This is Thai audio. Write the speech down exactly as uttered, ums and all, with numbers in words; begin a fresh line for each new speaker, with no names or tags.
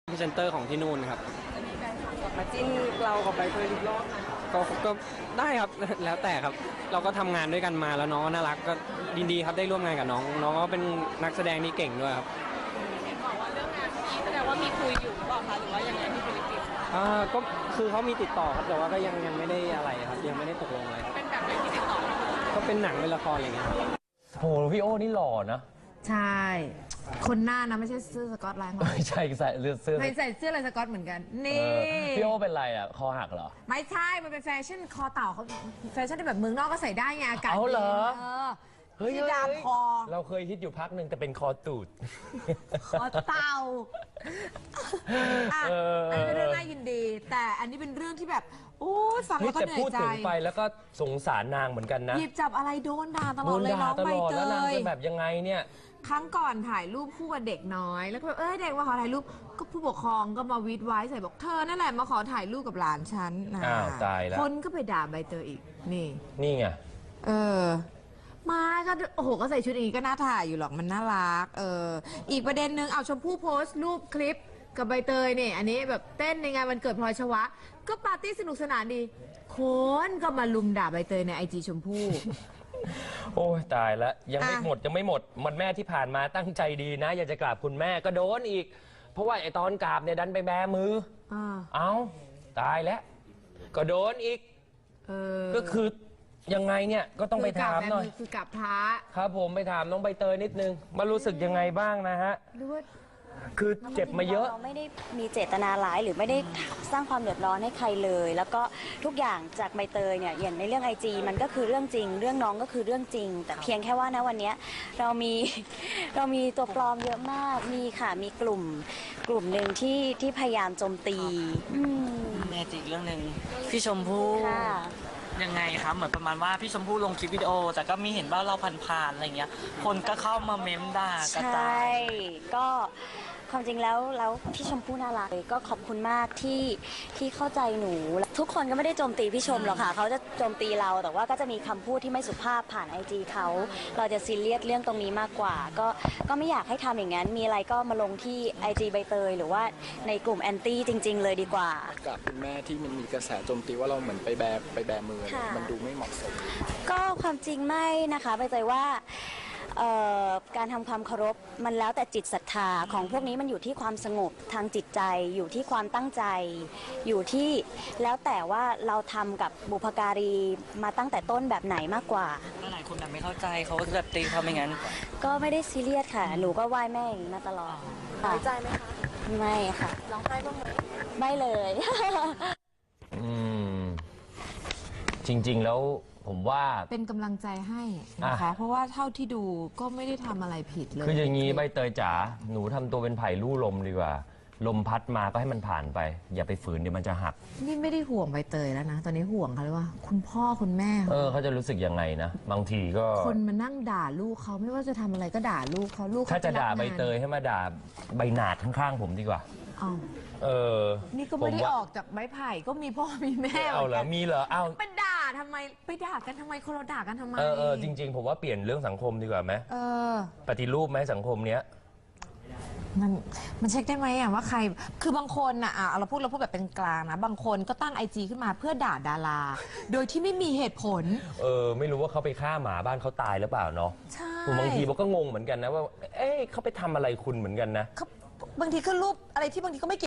พรีเซนเตอร์ของที่นู่นครับ
จะมีแฟนคลับกลับมาจิ้นเรากับใบเตยอีกรอบไหม
ก็ก็ได้ครับ แล้วแต่ครับเราก็ทำงานด้วยกันมาแล้วน้องก็น่ารักก็ดีดีครับได้ร่วมงานกับน้องน้องก็เป็นนักแสดงที่เก่งด้วยครับ
เห็นบอกว่าเรื่องงานนี้แสดงว่ามีคุยอยู่หรือเปล่าคะหรือว่ายังไงที่ฟิลิปปินส์
อ่าก็คือเขามีติดต่อครับแต่ว่าก็ยังยังไม่ได้อะไรครับยังไม่ได้ตกลงอะไร
เป็นแบบไหนที่ติดต่อ
ก็เป็นหนังเป็นละครอะไรเงี้ย
โหพี่โอ้นี่หล่อนะ
ใช่คนหน้านะไม่ใช่เสื้อสก๊อตไลน์
ไม่ใช่ใส่เสื้อ
ไม่ใส่เสื้อลายสก๊อตเหมือนกันนี่
พี่โอ้เป็นไรอ่ะคอหักเหรอ
ไม่ใช่มันเป็นแฟชั่นคอเต่าเขาแฟชั่นที่แบบเมืองนอกก็ใส่ได้ไงอากาศ
เอาเหรอ
เฮ้ยดามคอ
เราเคยคิดอยู่พักหนึ่งแต่เป็นคอตูด
คอเต่าอ่ะอันนี้เป็นเรื่องน่ายินดีแต่อันนี้เป็นเรื่องที่แบบโอ้ฟังแล้วก็เหนื่อยใจ
แต่พูดถึงไปแล้วก็สงสารนางเหมือนกันนะ
หยิบจับอะไรโดนด่าตลอดเลยน้องใบเตย
แล้วนางจะแบบยังไงเนี่ย
ครั้งก่อนถ่ายรูปคู่กับเด็กน้อยแล้วก็แบบเอ้ยเด็กมาขอถ่ายรูปก็ผู้ปกครองก็มาวิดไว้ใส่บอกเธอนั่นแหละมาขอถ่ายรูปกับหลานฉันนะ
อ้าวตายแล้ว
คนก็ไปด่าใบเตยอีกนี่
นี่ไง
เออมาก็โอ้โหก็ใส่ชุดอย่างนี้ก็น่าถ่ายอยู่หรอกมันน่ารักเอออีกประเด็นหนึ่งเอาชมพู่โพสต์รูปคลิปกับใบเตยเนี่ยอันนี้แบบเต้นในงานวันเกิดพลอยชวะก็ปาร์ตี้สนุกสนานดีคนก็มาลุมด่าใบเตยในไอจีชมพู่
โอ้ยตายแล้วยังไม่หมดยังไม่หมดมันแม่ที่ผ่านมาตั้งใจดีนะอยากจะกราบคุณแม่ก็โดนอีกเพราะว่าไอตอนกราบเนี่ยดันไปแบมือเอาตายแล้วก็โดนอีกก็คือยังไงเนี่ยก็ต้องไปถามหน่อย
คือกราบพระ
ครับผมไปถามน้องใบเตยนิดนึงมารู้สึกยังไงบ้างนะฮะคือเจ็บมาเยอะ
เราไม่ได้มีเจตนาร้ายหรือไม่ได้สร้างความเดือดร้อนให้ใครเลย แล้วก็ทุกอย่างจากใบเตยเนี่ยอย่างในเรื่องไอจีมันก็คือเรื่องจริงเรื่องน้องก็คือเรื่องจริงแต่เพียงแค่ว่านะวันนี้เรามีเรามีตัวปลอมเยอะมากมีค่ะมีกลุ่มกลุ่มหนึ่งที่ที่พยายามโจมตี
แม่จีกเรื่องหนึ่งพี่ชมพู่ยังไงครับเหมือนประมาณว่าพี่ชมพู่ลงคลิปวิดีโอแต่ก็มีเห็นว่าเราผ่านๆอะไรเงี้ยคนก็เข้ามาเม้มด่ากระจาย
ใช่ก็ความจริงแล้วแล้วพี่ชมพู่น่ารักก็ขอบคุณมากที่ที่เข้าใจหนูทุกคนก็ไม่ได้โจมตีพี่ชมหรอกค่ะเขาจะโจมตีเราแต่ว่าก็จะมีคำพูดที่ไม่สุภาพผ่านไอจีเขาเราจะซีเรียสเรื่องตรงนี้มากกว่าก็ก็ไม่อยากให้ทำอย่างนั้นมีอะไรก็มาลงที่ไอจีใบเตยหรือว่าในกลุ่มแอนตี้จริงๆเลยดีกว่า
กับคุณแม่ที่มันมีกระแสโจมตีว่าเราเหมือนไปแบไปแบมือมันดูไม่เหมาะสม
ก็ความจริงไม่นะคะใบเตยว่าการทำความเคารพมันแล้วแต่จิตศรัทธาของพวกนี้มันอยู่ที่ความสงบทางจิตใจอยู่ที่ความตั้งใจอยู่ที่แล้วแต่ว่าเราทำกับบุพการีมาตั้งแต่ต้นแบบไหนมากกว่า
หลายคนแบบไม่เข้าใจเขาก็แบบตีเขาไม่งั้น
ก็ไม่ได้ซีเรียสค่ะหนูก็ไหว้แม่อย่างนี้มาตลอด
น้อยใจไหมคะ
ไม่ค่ะ
ร้องไห้บ้างไหม
ไม่เลย
อืมจริงๆแล้วผมว่า
เป็นกำลังใจให้นะคะเพราะว่าเท่าที่ดูก็ไม่ได้ทำอะไรผิดเลย
คืออย่างนี้ใบเตยจ๋าหนูทำตัวเป็นไผ่ลู่ลมดีกว่าลมพัดมาก็ให้มันผ่านไปอย่าไปฝืนเดี๋ยวมันจะหัก
นี่ไม่ได้ห่วงใบเตยแล้วนะตอนนี้ห่วงเขาเลยว่าคุณพ่อคุณแม่
เออเขาจะรู้สึกยังไงนะบางทีก็
คนมานั่งด่าลูกเขาไม่ว่าจะทำอะไรก็ด่าลูกเขาลูก
ถ้าจะด่าใบเตยให้มาด่าใบหนาดข้างๆผมดีกว่าเออ
นี่ก็ไม่ได้ออกจากไม้ไผ่ก็มีพ่อมีแม่
เอาเหรอมีเหรอเอา
ไปด่าทำไมไปด่ากันทำไมคนเราด่ากันทำไม
เออเออจริงๆผมว่าเปลี่ยนเรื่องสังคมดีกว่าไหม
เออ
ปฏิรูปไหมสังคมเนี้ย
มันมันเช็คได้ไหมอ่ะว่าใครคือบางคนอ่ะเราพูดเราพูดแบบเป็นกลางนะบางคนก็ตั้งไอจีขึ้นมาเพื่อด่าดาราโดยที่ไม่มีเหตุผล
เออไม่รู้ว่าเขาไปฆ่าหมาบ้านเขาตายหรือเปล่าเนาะ
ใช่
บางทีผมก็งงเหมือนกันนะว่าเอ๊ะเขาไปทำอะไรคุณเหมือนกันนะ
บางทีก็รูปอะไรที่บางทีก็ไม่เกี่ยว